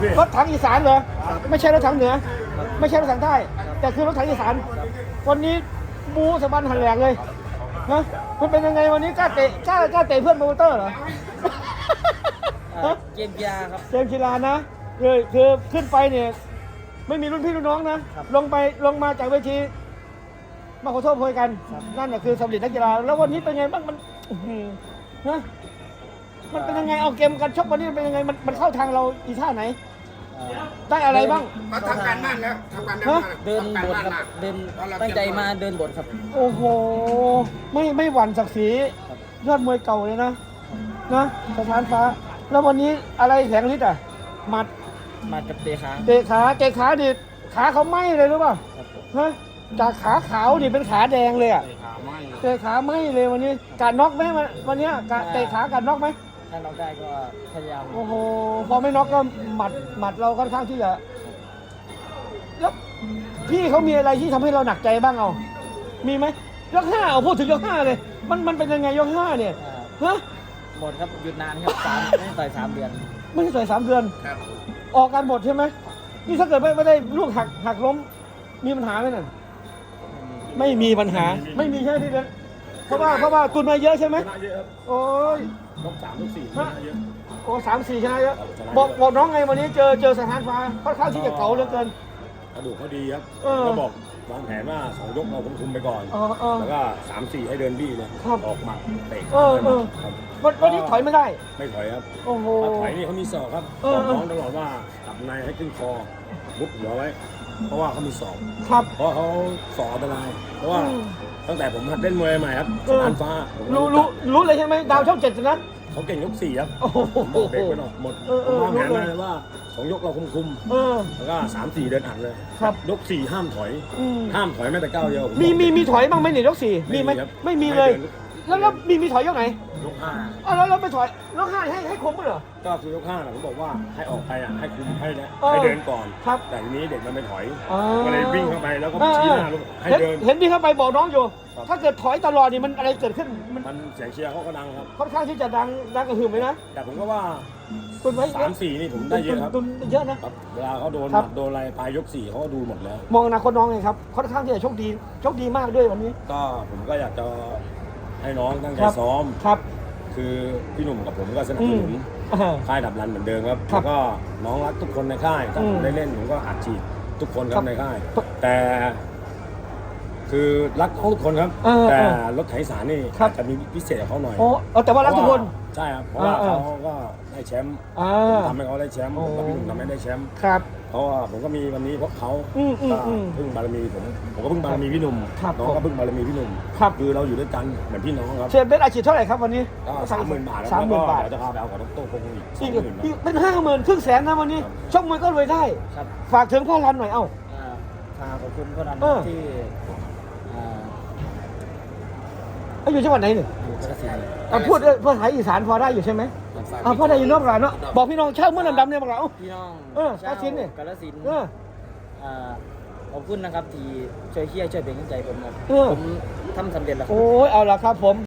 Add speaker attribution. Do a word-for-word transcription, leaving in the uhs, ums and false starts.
Speaker 1: รถถังอีสานเหรอไม่ใช่รถถังเหนือไม่ใช่รถถังใต้แต่คือรถถังอีสานวันนี้บูสะบันหันแหลกเลยนะมันเป็นยังไงวันนี้กล้าเตะกล้ากล้าเตะเพื่อนโปรโมเตอร์เหรอ
Speaker 2: เกมกีฬาครับ
Speaker 1: เกมกีฬานะคือคือขึ้นไปเนี่ยไม่มีรุ่นพี่รุ่นน้องนะลงไปลงมาจากเวทีมาขอโทษโพยกันนั่นแหละคือสำเร็จนักกีฬาแล้ววันนี้เป็นไงบ้างมันอื้อหือนะมันเป็นยังไงเอาเกมการชกวันนี้มันเป็นยังไงมันมันเข้าทางเราอีท่าไหนได้อะไรบ้าง
Speaker 3: มาทำการบ้านแล้วทำการบ้าน
Speaker 2: เดินบทครับเดินตั้งใจมาเดินบทครับ
Speaker 1: โอ้โหไม่ไม่หวั่นศักดิ์ศรียอดมวยเก่าเลยนะนะสถานฟ้า แล้ววันนี้อะไรแข็งฤทธิ์อ่ะหมัด
Speaker 2: มากับเตะขา
Speaker 1: เตะขาเตะขาดิขาเขาไหม้เลยรู้ป่ะฮะจากขาขาวดิเป็นขาแดงเลยอ่ะเตะขาไหม้เลยวันนี้การน็อกไหมวันวันนี้การเตะขาการน็อกไหม
Speaker 2: ถ้าเราได้ก็พยายาม
Speaker 1: โอ้โหพอไม่น็อกก็หมัดหมัดเราค่อนข้างที่จะแล้วพี่เขามีอะไรที่ทำให้เราหนักใจบ้างเอามีไหมยกห้าเอาพูดถึงยกห้าเลย มันมันเป็นยังไงยกห้าเนี่ยฮะ
Speaker 2: หมดครับหยุดนานครับสามไม่ได้ต่อยสามเดือน
Speaker 1: ไม่ได้ต่อยสามเดือน
Speaker 3: ครับ
Speaker 1: ออกการหมดใช่ไหมนี่ถ้าเกิดไม่ไม่ได้ลูกหักหักล้มมีปัญหาไหมนั่นไม่มีปัญหาไม่มีใช่ไหมพี่เบนเพราะว่าเพราะว่าตุนมาเยอะใช่ไหมโอ้ย
Speaker 4: ยกสามยกสี่ช
Speaker 1: ฮะ
Speaker 4: นะเยอะ
Speaker 1: โอ้สามสี่ชนะเยอะบอกบอกน้องไงวันนี้เจอเจอสถานฟ้าค่อนข้างที่จะเก๋าเหลือเกิน
Speaker 4: กระดูกเขาดีครับ
Speaker 1: เออ
Speaker 4: ก็บอกวางแผนว่าสองยกเราคุมๆไปก่อน
Speaker 1: เออเออ
Speaker 4: แล้วก็สามสี่ให้เดินบี้เลย
Speaker 1: ครับ
Speaker 4: ออกหมัดเตะ
Speaker 1: เออเออ
Speaker 4: ครับ
Speaker 1: วันวันนี้ถอยไม่ได้
Speaker 4: ไม่ถอยครับ
Speaker 1: โอ้โห
Speaker 4: ถ้าถอยนี่เขามีศอกครับ
Speaker 1: เออ
Speaker 4: บอกน้องตลอดว่าจับในให้ขึ้นคอมุดหัวไว้ เพราะว่าเขามีศอก
Speaker 1: ครับ
Speaker 4: เพราะเขาศอกอันตราย เพราะว่า
Speaker 1: อืม
Speaker 4: ตั้งแต่ผมหัดเล่นมวยใหม่ครับ
Speaker 1: เออ
Speaker 4: อันฟ้าผมก็
Speaker 1: รู้
Speaker 4: จั
Speaker 1: รู้
Speaker 4: ก
Speaker 1: รู้เลยใช่ไหมดาวช่องเจ็ดนะ
Speaker 4: เขาเก่งยกสี่ครับ
Speaker 1: โอ้โห
Speaker 4: ผมบอกเด็กไปหน่อยหมด
Speaker 1: เออเอ
Speaker 4: ผม
Speaker 1: อ
Speaker 4: วางแผน
Speaker 1: รู้
Speaker 4: มา
Speaker 1: เลย
Speaker 4: เลยว่าสองยกเราคุม
Speaker 1: เออ
Speaker 4: ๆแล้วก็สามสี่เดินอัดเลย
Speaker 1: ครับ
Speaker 4: ยกสี่ห้ามถอย
Speaker 1: อืม
Speaker 4: ห้ามถอยแม้แต่ก้าวเดียวผ
Speaker 1: มี
Speaker 4: บอก
Speaker 1: มีมีถอยบ้างไหมเนี่ยยกสี่มีไหม
Speaker 4: ครับ
Speaker 1: ไม่มีเลย
Speaker 4: ให้ดิน
Speaker 1: แล้วแล้วมีมีถอยยกไหน
Speaker 4: ยกห้า
Speaker 1: อ้าวแล้วเราไปถอยยกห้าให้ให้คมมั้ยเหรอ
Speaker 4: ก็คือยกห้าน่ะผมบอกว่าให้ออกไปอ่ะให้คุมให้นะ
Speaker 1: เออ
Speaker 4: ให้เดินก่อน
Speaker 1: ครับ
Speaker 4: แต่ทีนี้เด็กมันไม่ถอย
Speaker 1: อ๋อ
Speaker 4: ก็เลยวิ่งเข้าไปแล้วก็
Speaker 1: เออ
Speaker 4: ชี้หน้าลูกให้
Speaker 1: เห็น
Speaker 4: เดิน
Speaker 1: เห็นพี่เข้าไปบอกน้องอยู่
Speaker 4: ครับ
Speaker 1: ถ้าเกิดถอยตลอดนี่มันอะไรเกิดขึ้นมัน
Speaker 4: มันเสียงเชียร์เขาก็ดังครับ
Speaker 1: ค่อนข้างที่จะดังดังกระหึ่มเลยนะ
Speaker 4: แต่ผมก็ว่า
Speaker 1: ตุนไว้
Speaker 4: สามสี่นี่ผมได้เยอะครับ
Speaker 1: ตุนตุนเยอะนะ
Speaker 4: ครับเวลาเขาโดน
Speaker 1: ครับ
Speaker 4: หมัดโดนอะไรปลายยกสี่เขาก็ดูหมดแล้ว
Speaker 1: มองอนาคตน้องไงครับค่อนข้างที่จะโชคดีโชคดีมากด้วยวันนี้
Speaker 4: ก็ผมก็อยากจะให้น้องตั้งใจ
Speaker 1: ครับ
Speaker 4: ซ้อม
Speaker 1: ครับ
Speaker 4: คือพี่หนุ่มกับผมก็สนับ
Speaker 1: อื
Speaker 4: ส
Speaker 1: ม
Speaker 4: นุน
Speaker 1: อ่า
Speaker 4: ค่ายดับรันเหมือนเดิมครับ
Speaker 1: ครั
Speaker 4: แล้
Speaker 1: บ
Speaker 4: วก็น้องรักทุกคนในค่ายถ้า
Speaker 1: อื
Speaker 4: ผม มได้เล่นผมก็อัดฉีดทุกคนค
Speaker 1: ครั
Speaker 4: รับบ ในค่าย แต่ คือรักน้องทุกคนครับ
Speaker 1: เออ
Speaker 4: แต่
Speaker 1: เออ
Speaker 4: รถไถสารนี่
Speaker 1: ครับ
Speaker 4: อาจจะมีพิเศษกับเขาหน่อย
Speaker 1: โอ้เออแต่ว่ารักทุกคน
Speaker 4: ใช่ครับเพราะว่า
Speaker 1: เออเออ
Speaker 4: เขาก็ได้แชมป์
Speaker 1: อ่า
Speaker 4: ผมทำให้เขาได้แชมป์
Speaker 1: โอ้
Speaker 4: ผมกับพี่หนุ่มทำให้ได้แชมป์
Speaker 1: ครับ
Speaker 4: เพราะว่าผมก็มีวันนี้เพราะเขา
Speaker 1: อืมอืม
Speaker 4: ก็
Speaker 1: อืม
Speaker 4: พึ่งบารมีผมผมก็พึ่งบารมีพี่หนุ่ม
Speaker 1: ครับ
Speaker 4: น้องก็พึ่งบารมีพี่หนุ่ม
Speaker 1: ครับ
Speaker 4: คือเราอยู่ด้วยกันเหมือนพี่น้องครับ
Speaker 1: เชฟเบสอาชีพเท่าไหร่ครับวันนี้
Speaker 4: ก็สามหมื่นบาทแล้ว
Speaker 1: สามหมื่นบาท
Speaker 4: เดี๋ยวจะพาไปเอาของดรพงศ์อีกสอ
Speaker 1: อี
Speaker 4: ง
Speaker 1: ก
Speaker 4: หมื่น
Speaker 1: อีกเป็นห้าหมื่นครึ่งแสนนะวันนี้
Speaker 4: ครับ
Speaker 1: ชกมวยก็รวยได้
Speaker 2: ครับ
Speaker 1: ฝากถึงพ่อรันหน่อยเอ้า
Speaker 2: อ่าทางขอบคุณพ่อรัน
Speaker 1: เออ
Speaker 2: ที่อ่า
Speaker 1: เอ้ยอยู่จังหวัดไหนเนี่ย
Speaker 2: อยู่กระสี
Speaker 1: อ่ะพูดเอ้ยภาษาอีสานพอได้อยู่ใช่ไหมอ่าพอได้อยู่นอกร้านเนาะบอกพี่น้องเช่าเมื่อดำๆเนี่ยบอกเราเอ้า
Speaker 2: พี่น้อง
Speaker 1: เออ
Speaker 2: ชาว
Speaker 1: กาฬสินธุ์เนี่ย
Speaker 2: กาฬสินธุ์
Speaker 1: เออ
Speaker 2: อ่าขอบคุณนะครับที่ช่วยเชียร์ช่วยเป็นกำลังใจผมครับ
Speaker 1: เออ
Speaker 2: ผมทำสำเร็จแล้วครับ
Speaker 1: โอ้ยเอาละครับผม